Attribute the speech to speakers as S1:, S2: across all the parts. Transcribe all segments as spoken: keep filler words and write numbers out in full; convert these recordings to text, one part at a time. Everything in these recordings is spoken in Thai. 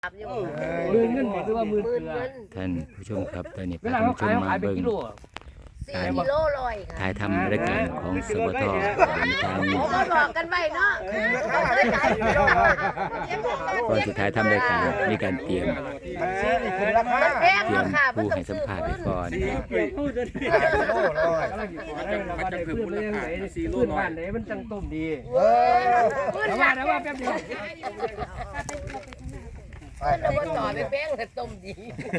S1: มือเงินหรือว่ามือเกลือ
S2: ท่านผู้ชมครับตอนนี้
S1: เว
S2: พา
S1: ลา
S2: ท่าน
S1: เขา
S2: ผู้ช
S1: ขาย
S2: ม
S1: เขา
S2: มา
S1: ขายเป็น
S2: เบิ่ง
S1: กิโล
S3: สี่กิโลลอยค่ะ
S2: ถ่ายทำรายการของสบทบานทาง
S3: โอ้มาบอกกันไว้เนาะได้ขายกิโลลอย
S2: ก่อนสุดท้ายทำรายการมีการเตรียม
S3: มันแพง
S2: เตรีย
S3: เนาะ
S2: ม
S3: ค่ะ
S2: ผู้ให้สัมภาษณ์ไปก่อน
S1: พูดจะดีมันจะเพิ่มมูลค่าสี่โลบ้านไหนมันจังต้มดี
S3: เออพื้น
S1: แต่
S3: ห
S1: ว่า
S3: ลัก
S1: แต่ว่าแป๊บเดียว
S3: แล้วก็ต่อไปแป้งแต่ต้มดี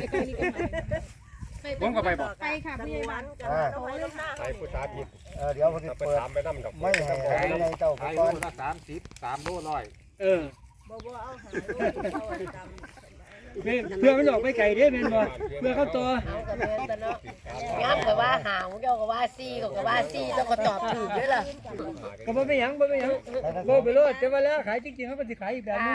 S4: ผมก็ไปบอก
S5: ไปค่ะพี่บ้าน
S4: ไปผู้ชายผิด
S6: เออเดี๋ยวผมจะ
S4: ไป
S6: เปิด
S4: ถามไปนั่ดอก
S6: ไม่ให้ให้ในเจ้าไป
S4: ขาย
S6: ก่
S4: โล
S6: อน
S4: ละสามสิบสามโลร้อย
S1: เออเพื่อมันออกไปไก่เด้แม่นบ่เพื่อเข้าตัว
S3: เอากับแม่แต่เนาะงั้นก็ว่าหาวเจ้าก็ว่าซี่ก็ว่าซี่ต้องก็ตอบถูกด้วยล่ะ
S1: ก็บ่เป็นหยังบ่เป็นหยังบ่ไปโลดแต่ว่าแล้วขายจริงๆเขาก็สิขายอีกแบบนึง
S3: ค่ะ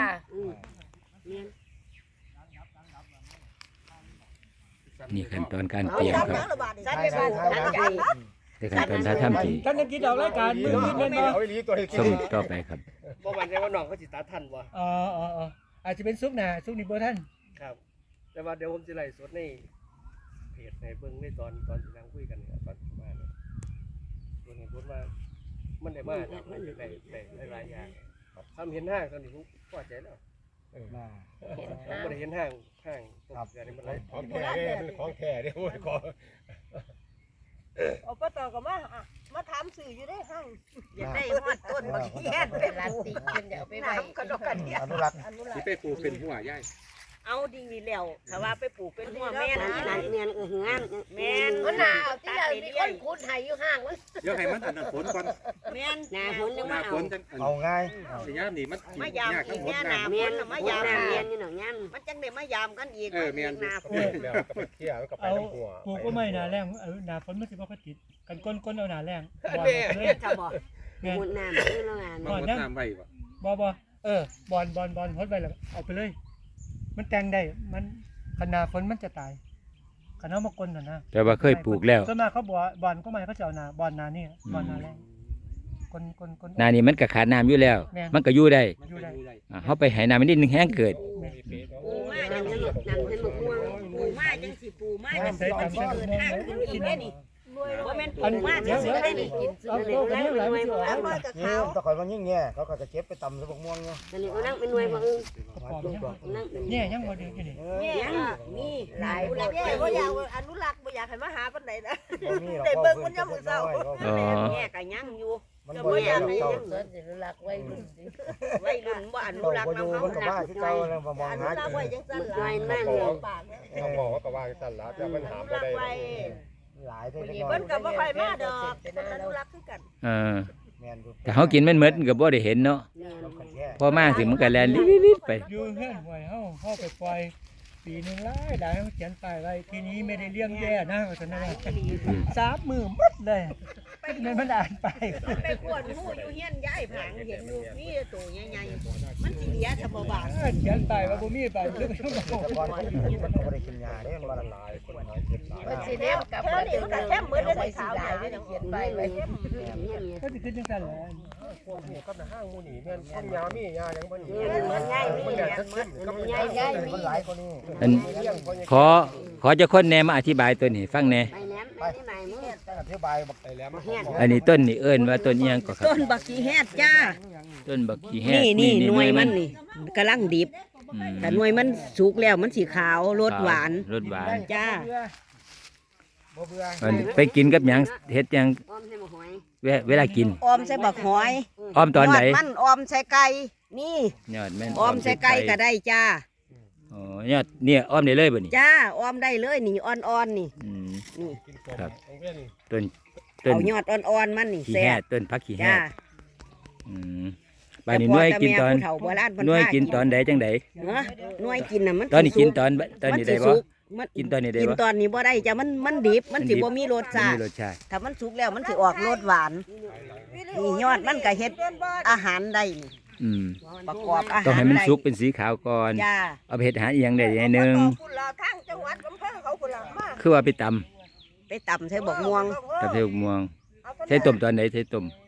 S2: นี่ขั้นตอนการเตรียมครับ
S3: สัตว์ในบ้านทั้งใจ
S2: ในขั้นตอนท้ายทำที่
S1: ท่านยังคิดออกรายการมือคิดแม่นบ่
S4: เอาไอ้ลีตัวให้
S2: ชมต่อไปครับ
S1: บ่มั่นใจว่าน้องเขาสิตัดทันบ่อ๋ออ๋ออาจจะเป็นซุกหน้าซุกนี่บ่ทันครับ แต่ว่าเดี๋ยวผมสิไล่สดในเพจในเบิ่งในตอนตอนที่นั่งคุยกันเนี่ยตอนที่มาเนี่ยตัวนี้พูดว่ามันได้มาจากมันได้ได้หลายอย่างทำเห็นห้างตอนนี้ผมพอใจแล้วผมบ่ได้เห็นห้างห้างตกเกิดในมันหลาย
S4: ของแท้เนี่ยมันของแท้เนี่ยโอ้ยของ
S5: อบตก็มามาถามสื่ออยู่ได้ห้าง
S3: อย่าได้ฮอดต้นบางทีแค่เป็นลาติเป็นเดี๋ยวไปไว้
S5: กระดกกันเนี่ย
S6: อนุรักษ์
S5: อนุรั
S4: ที่
S5: กษ์
S4: ไปปลูกเป็นหัวย่าย
S5: เอาดีแล้วถ้าว่าไปปลูกเป็นหัวแม่นะ
S3: เนียนเอองาน
S5: แม่น
S3: มันหนาวที่เรามีคนคูดไห้อยู่ห้างมัน
S4: เดี๋ยวให้มันอันนั้นฝนก่อน
S5: แม่น
S3: หนาฝนยัง
S4: หน้า
S3: มา
S4: ฝ
S3: เอา
S4: นจัง
S6: เอาง่าย
S4: สิยามนี่มัน
S5: มายาม
S4: ยาก
S5: อี
S4: ทั้ง
S5: ก
S4: หมด
S5: แน่ห
S4: น้
S5: นาฝนมายาม
S3: เนี
S5: เรี
S3: ย
S5: ย
S3: น
S5: น
S3: อยู่หนังยัน
S5: มันจังได้มายามกันอีก
S4: เออแม่น
S5: หนาฝ
S4: เอน อแล้วก็ไปเที่ยวก็ไป
S1: เอา
S4: น้ำหัว
S1: ปลูกก็ไม่หนาแรงเออหนาฝนมันสิบ่ค่อยติดกันก้นก้นเอาหนาแรงบ่เลย
S5: ถ้าบอก
S1: แม่น
S3: หมดน้ำนี่แล้วงาน
S4: มันน้ำไว้บ่
S1: บ่บ่เออบอลบอลบอลฮดไปแล้วเอาไปเลย มันแต่งได้มันขนาฝนมันจะตายขนามาก้นน่ะนะ
S2: แต่ว่าเคยปลูกแล้ว
S1: ส่วนมากเขาบอกบอลก็ไม่เขาจะเอาหนาบอลหนานี่บอลหนาแรงก้นก้นก้น
S2: หนานี้มันก็ขาดน้ำอยู่แล้ว มันก็อยู่ได้
S4: มันก็อยู่ได้
S2: อ่าเฮาไปให้น้ำมันนิดนึงแห้งเกิด
S5: ปูมาจังสินั่งเห็นมะม่วงปูมาจังสิปูมาจังสิเกิดห้างขึ้นอีกแน่นี่ว่าแม่นปูมาจังสิได้นี่กิน
S1: เอาโตกันเนี่ยหลายมันสิออก
S5: แล้วน้อยกับ
S6: นี่
S5: เขา
S6: ตะกอนมันยิ่งแง่เขาก็จะเก็บไปตำสะบกม่วงเนี่ย
S3: ตอนนี้ก็นั่งเป็นหน่วยมาอึ้ง
S6: มาจุกดอก
S3: นั่งเป็น
S1: เนี่ยยังบ่เดือดอยู่นี่
S5: เนี่ยนี่หลายอนุรักษ์บ่อยากอนุรักษ์บ่อยากให้มาหาปานใดนะ
S6: มีหรอก
S5: ได้เบิ่งมันยังมื้อเช้า
S2: อ๋อ
S5: แง่ก็ยังอยู่
S6: มัน
S5: จะ
S6: บ่
S5: บ่
S6: อยา
S5: อยาก กให้
S6: เจ้า
S5: ยัง
S3: สวนสิรักไว้รุ่นสิ
S5: วัยรุ่นบ่อนุ
S6: เจ้า
S5: รักษ์
S6: บ่อยู่
S5: นำเฮา
S6: มันก็บ้าที่เก่าแล้วบ่มอง
S5: อนุ
S6: หา
S5: รักษ์ไว้จังซั่น
S3: หน่วย
S5: ล่ะ
S3: นั่งอยู่
S5: ปากเนี่ย
S4: เขาบอกว่าก็ว่าสั่นละแต่มันหาม
S5: อ
S4: บ่
S5: นุรัก
S4: ได้
S5: ษ์ไว้
S6: หลายได้
S5: วัน
S6: เล็ก
S5: นี้
S6: น้อ
S5: เพิ่
S6: ย
S5: นก็บ่ค่อยมาดอกอนุรักษ์คือกัน
S2: เออ
S6: แม่นอยู่
S2: แต่เฮากินมันหมดก็บ่ได้เห็นเนาะ
S6: มันก็แค่
S2: พอมาถึงมันก็แล่นลิดๆไป
S1: อยู่เฮือนหวยเฮาเฮาไปปล่อยปีหนึงหลายหลายเฮาเขียนป้ายไว้ทีนี้ไม่ได้เลี้ยงแย่นะว่าซั่นนะสามมื้อหมดเลยมันมันอ่านไป
S5: ไปขวดหมู่อยู่เฮียนยายผางเห็นอยู่มีตัวใหญ่ๆมันสิเหลียถ้าบ่บาด
S1: เขียนป้ายว่าบ่มีป้ายคือบ่ต้องบอก
S6: ตะกอนมันก็บ่ได้กินยาเด้มันละลาย
S4: คนหายเจ็บหลาย
S3: มันสิเนมกับมันเป็นเรื่องไว้สิหลายไม่ต้องเขียนไปไว้
S1: ก็สิขึ้นจังซั่นแหละ
S4: พวกนี้ก็ห้างหมู่นี่แม่นต้นยามียาหยังบ่นี่
S3: มันง่าย
S4: มัน
S3: นี่
S4: แดด
S3: มัน
S4: ซึมๆก็มัน
S3: ง่ายง่าย
S6: มันหลายกว่านี้
S2: อันขอขอเจะคนแหนมาอธิบายตัวนี้ฟังแหน่
S3: ไปแหนมไปที่ไหนมึง
S6: อธิบายบัก
S4: ไปแล้วมัน
S2: อันนี้ต้นนี่เอิ้นว่าต้นอีหยังก็ครับ
S5: ต้นบักขี้แฮดจ้า
S2: ต้นบักขี้แห้
S5: นี่นี่หน่วยมันนี่กำลังดิบ
S2: อืม
S5: แต่หน่วยมันสุกแล้วมันสีขาวรสหวาน
S2: รสหวาน
S5: จ้า
S6: บ่เบื่อ
S2: มันไปกินกับหยังเฮ็ดหยัง
S3: อ้อมใส่หมหอย
S2: เวเวลากิน
S5: ออมใส่บักหอย
S2: อ้อมตอนไหน
S5: ยดมันออมใส่ไก่นี่
S2: ยอดแม่น
S5: ออมใส่ไก่ก็ได้จ้า
S2: อ๋อยอดเนี่ยอ้อมได้เลยบ่นี่
S5: จ้าออมได้เลยนี่อ่อนๆนี่
S2: อืม
S5: นี่
S2: ครับ
S4: ของเว้น
S2: ต้นต้น
S5: เอายอดอ่อนๆมันนี่
S2: ขี้
S5: แซ่
S2: แห้
S5: บ
S2: ต้นพักขี้แห้
S5: จ้า
S2: อืมบาดนี้หน่วยกินตอน
S5: แต่พ่แต่แม่ผู้เฒ่าโบราณเพิ่
S2: หน่วย
S5: พา
S2: กินตอนใดจังได
S5: เนาะหน่วยกินน่ะมัน
S2: ตอนนี้
S5: สิ
S2: กิน
S5: สุ
S2: ตอนตอน
S5: มั
S2: นี้
S5: สิ
S2: ได้บ่
S5: สุกมัน
S2: กินตอนนี้ได้
S5: กิน
S2: บ่
S5: ตอนนี้บ่ได้จ้ามันมันดิบมันสิบ่มีรส
S2: บ่
S5: ชา
S2: มี
S5: ติ
S2: รสชาติ
S5: ถ้ามันสุกแล้วมันสิออกรสหวานนี่ยอดมันก็เฮ็ดอาหารได้นี่
S2: อืม
S5: ประกอบอาหาร
S2: ต้องให้มัน
S5: ได้
S2: สุกเป็นสีขาวก่อน
S5: จ้า
S2: เอาไปเฮ็ดอาหารอีหยังได้อย่างหนึง
S5: คุณลาทางจังหวัดอำเภอเขาคุณลามา
S2: คือว่าไปตำ
S5: ไปตำใส่บกม่วง
S2: กับเทวม่วงใช้ต้มตอนไหนใช้ต้ม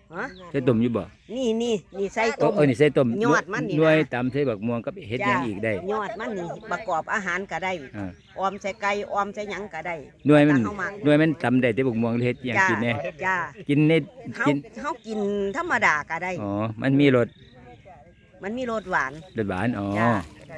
S5: ฮะ
S2: ใส่ต้มอยู่บ่
S5: นี่นี่นี่ใส่
S2: โอ้
S5: ต้ม
S2: เออนี่ใส่ต้ม
S5: ยอดมันนี่นะ
S2: หน่วยตำใส่บักม่วงกับเฮ็ดหยังอีกได้
S5: ยอดมันนี่ประกอบอาหารก็ได้
S2: อ่า
S5: ออมใส่ไก่ออมใส่หยังก็ได้
S2: หน่วยมัน
S5: แต่เข้ามา
S2: หน่วยมันตำได้แต่บักม่วงเฮ็ดหยัง
S5: จ้า
S2: กินแน่
S5: จ้า
S2: กินใน
S5: เฮา
S2: กิน
S5: เฮากินธรรมดาก็ได้
S2: อ๋อมันมีรส
S5: มันมีรสหวาน
S2: รสหวานอ๋อ
S5: จ้า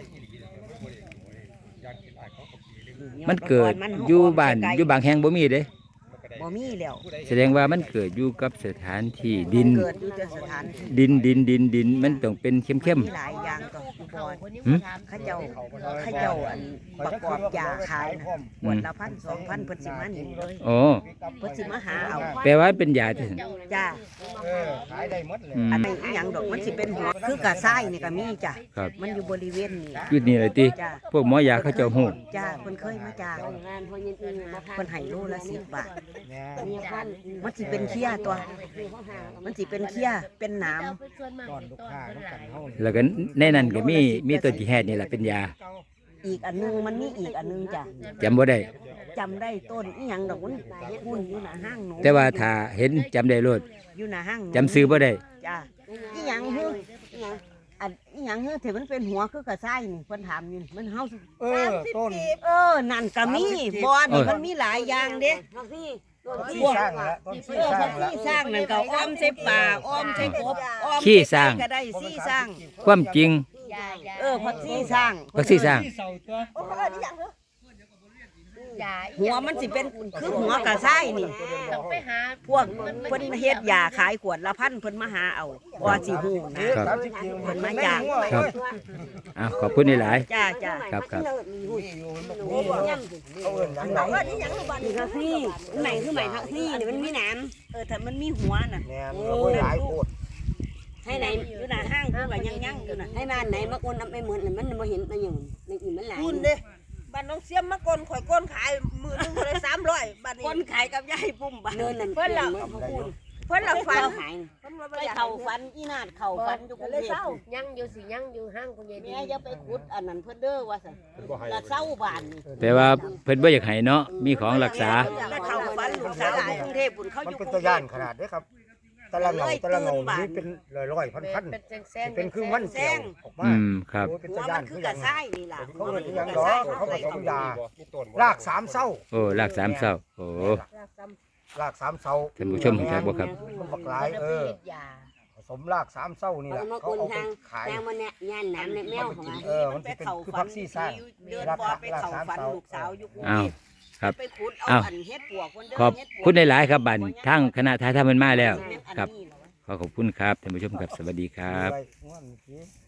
S2: มันเกิดอยู่บ้านอยู่บางแห่งบ่มีเด้
S5: บ่มีแล้ว
S2: แสดงว่ามันเกิดอยู่กับสถานที่ดิน
S5: เกิดอยู่แต่สถานที่
S2: ดินดินดินดินมันต้องเป็นเข้ม
S5: มีหลายอย่างก็อยู่บ่อน
S2: หึ
S5: เขาเจ้าเขาเจ้าอันประกอบยาขายนะขวดละพันสองพันเพิ่นสิมานี่เลย
S2: ๆอ๋อ
S5: เพิ่นสิมาหาเอา
S2: แปลว่าเป็นยาที่
S5: จ้า
S6: เออขายได้หมดเลย
S2: อืม
S5: อันนี้อีหยังดอกมันสิเป็นหัวคือกระซ้ายนี่ก็มีจ้ะ
S2: ครับ
S5: มันอยู่บริเวณนี้
S2: อยู่นี่เลยติ
S5: จ้า
S2: พวกหมอยาเขาเจ้าฮู้
S5: จ้าเพิ่นเคยมาจ้างเพิ่นให้โลละสิบบาท
S6: เนี่ย
S5: มันสิเป็นเขี้ยตัว มันสิเป็นเขี้ยเป็นหนาม
S6: ตอนลูกค้าต้องกันเฮานี่
S2: แล้วก็ในนั้นก็มีมีต้นที่แฮดนี่แหละเป็นยา
S5: อีกอันนึงมันมีอีกอันนึงจ้ะ
S2: จำบ่ได้
S5: จำได้ต้นอีหยังดอกมันหุ้นอยู่หน้าห้างหนู
S2: แต่ว่าถ้าเห็นจำได้โลด
S5: อยู่หน้าห้างหนู
S2: จำซื้อบ่ได้
S5: จ้าอีหยังฮืออีหยังอันอีหยังฮือที่มันเป็นหัวคือกระซ้ายนี่เพิ่นถามอยู่นี่มันเฮา
S6: เออต้น
S5: เออนั่นก็มีบอนนี่มันมีหลายอย่างเด้
S6: ที่สร้างแล้วต้นที่
S5: เออ
S6: สร้า
S5: พั
S6: ง
S5: ก
S6: แล้ว
S5: ซี่สร้างนั่นก็อ้อมใส่ป่าอ้อมใส่กบอ้อม
S2: ขี้สร้าง
S5: ก็ได้ซี่สร้าง
S2: ความจริง
S5: เออพักซี่สร้าง
S2: พักซี่สร้าง
S5: หัวมันสิเป็นคือหัวกระซ้ายนี่พวกเพิ่นเฮ็ดยาขายขวดละพันเพิ่นมาหาเอาว่าสิฮู้นะครับ
S6: สามสิบกิโล
S5: เพิ่นมาจ้าง
S2: ครับอ้าวขอบคุณหลาย
S5: จ้าจ้า
S2: ๆครับครับ
S6: เอาเอิ้นหยังไง
S5: นี่ก็ซี่ใหม่คือใหม่ทักซี่นี่มันมีหนามเออถ้ามันมีหัวน่ะ
S6: เนี่ยมันโอ้ยหลายโคตร
S5: ให้ไหนอยู่หน้าห้างคือว่ายังยังอยู่น่ะ
S7: ให้บ้านไหนมาโอนไม่เหมือนมันมาเห็นมันอย่างในอื่นมันหลาย
S8: คุณเด้บ้านน้องเสียมมากลข่อยก้นขายมือหนึงเลยสามร้อยบ้านนี้
S5: คนขายกับยายปุ้มบ่
S7: เนินนั่น
S8: เพิ่นละ
S7: เขาพูด
S8: เพิ่นละฟัน
S7: เขาขาย
S8: เพิ่นว่าบ่
S5: ไป
S8: อยาก
S5: เข่าฟันอีนาดเข่าฟันอยู่กรุง
S8: เลย
S5: เท
S8: เศร้า
S5: พ
S3: ยังอยู่สิยังอยู่ห้างคุณยายดี
S5: แม่อย่าไปขุดอันนั้นเพิ่นเด้อว่าซั่นละเศร้าบ้านนี่
S2: แปลว่าเพิ่นบ่อยากให้เนาะมีของรักษา
S5: แล้วเข่าฟันลูกสาวอยู่กรุงเทพฯพุ่นเขาอ
S6: มัน
S5: ยู่
S6: เป็น
S5: กรุ
S6: ตัว
S5: งเท
S6: ย่าน
S5: พ
S6: ขนาดเด้ครับแต่ละเหงาแต่ละเหงานี่เป็นร้อยๆพันๆ
S3: เป็นแซงๆ
S6: เป็นคือมันแก้วออกมา
S2: อืมครับ
S6: โอ้ยเป็น
S5: หั
S6: ตัว ว
S5: มั
S6: ย่าน
S5: นคื
S6: คือ อ
S5: ก
S6: ห
S5: ระ
S6: ยัง
S5: ซ้ายนี่ล่ะ
S6: เขาเรียกคือหยังดอกเขาผสมยารากสามเศร้า
S2: โอ้รากสามเศร้าโอ้
S6: รากสามเศร้า
S2: ท่านผู้ชมรู้จักบ่ครับ
S6: มันบักหลายเออ
S3: ยา
S6: ผสมรากสามเศร้านี่แห
S7: เขา
S6: ละ
S7: มา
S6: เขา
S7: โอน
S6: เอาไป
S7: ทาง
S6: ขาย
S7: ทางมันเนี่ยย่านน้ำในแมวของมัน
S6: เออมันสิเป็นคือพักซี่สร้าง
S5: เดิน
S6: ราก
S5: บ่
S6: สา
S5: ไป
S6: ราก
S5: เข่า
S6: สาม
S5: ฟัน
S6: เศร้า
S5: ลูกสาวอยู่กรุง
S2: อ้า
S5: เท
S2: ว
S5: พ
S2: ครับ
S5: ไปขุดเอา
S2: อ้าว
S5: อันเฮ็ดปวกเพิ่นเด้อ
S2: ขอบ
S5: เฮ็ดปวก
S2: คุณหลายๆครับบัดทางคณะทายทำมันมาแล้วครับ ขอขอบคุณครับท่านผู้ชมครับสวัสดีครับ
S6: ด้วย